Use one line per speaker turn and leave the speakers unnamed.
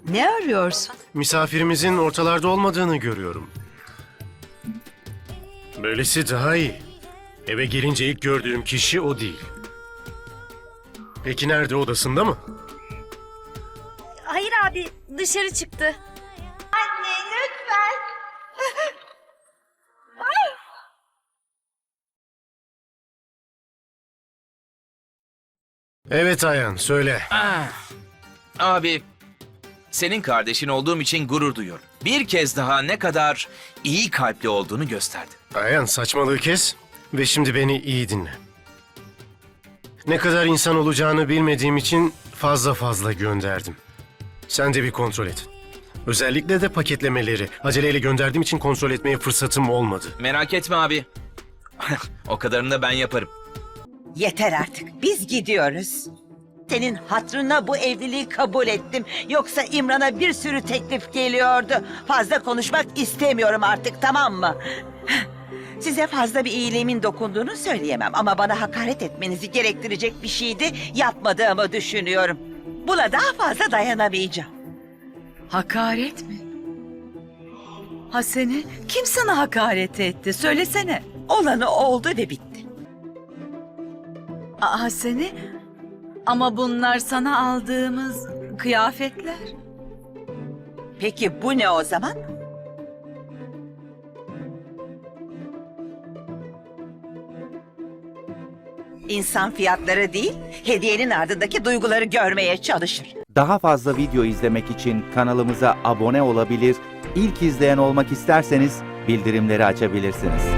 Ne arıyorsun?
Misafirimizin ortalarda olmadığını görüyorum. Böylesi daha iyi. Eve gelince ilk gördüğüm kişi o değil. Peki nerede, odasında mı?
Hayır abi, dışarı çıktı.
Anne lütfen.
Evet Ayhan, söyle.
Abi, senin kardeşin olduğum için gurur duyuyorum. Bir kez daha ne kadar iyi kalpli olduğunu gösterdin.
Ayhan, saçmalığı kes ve şimdi beni iyi dinle. Ne kadar insan olacağını bilmediğim için fazla gönderdim. Sen de bir kontrol et. Özellikle de paketlemeleri. Aceleyle gönderdiğim için kontrol etmeye fırsatım olmadı.
Merak etme abi. O kadarını da ben yaparım.
Yeter artık. Biz gidiyoruz. Senin hatırına bu evliliği kabul ettim. Yoksa İmran'a bir sürü teklif geliyordu. Fazla konuşmak istemiyorum artık, tamam mı? Size fazla bir iyiliğimin dokunduğunu söyleyemem ama bana hakaret etmenizi gerektirecek bir şeydi yapmadığımı düşünüyorum. Buna daha fazla dayanamayacağım.
Hakaret mi? Hasene, kim sana hakaret etti? Söylesene.
Olanı oldu ve bitti.
Hasene, ama bunlar sana aldığımız kıyafetler.
Peki bu ne o zaman? İnsan fiyatları değil, hediyenin ardındaki duyguları görmeye çalışır.
Daha fazla video izlemek için kanalımıza abone olabilir, ilk izleyen olmak isterseniz bildirimleri açabilirsiniz.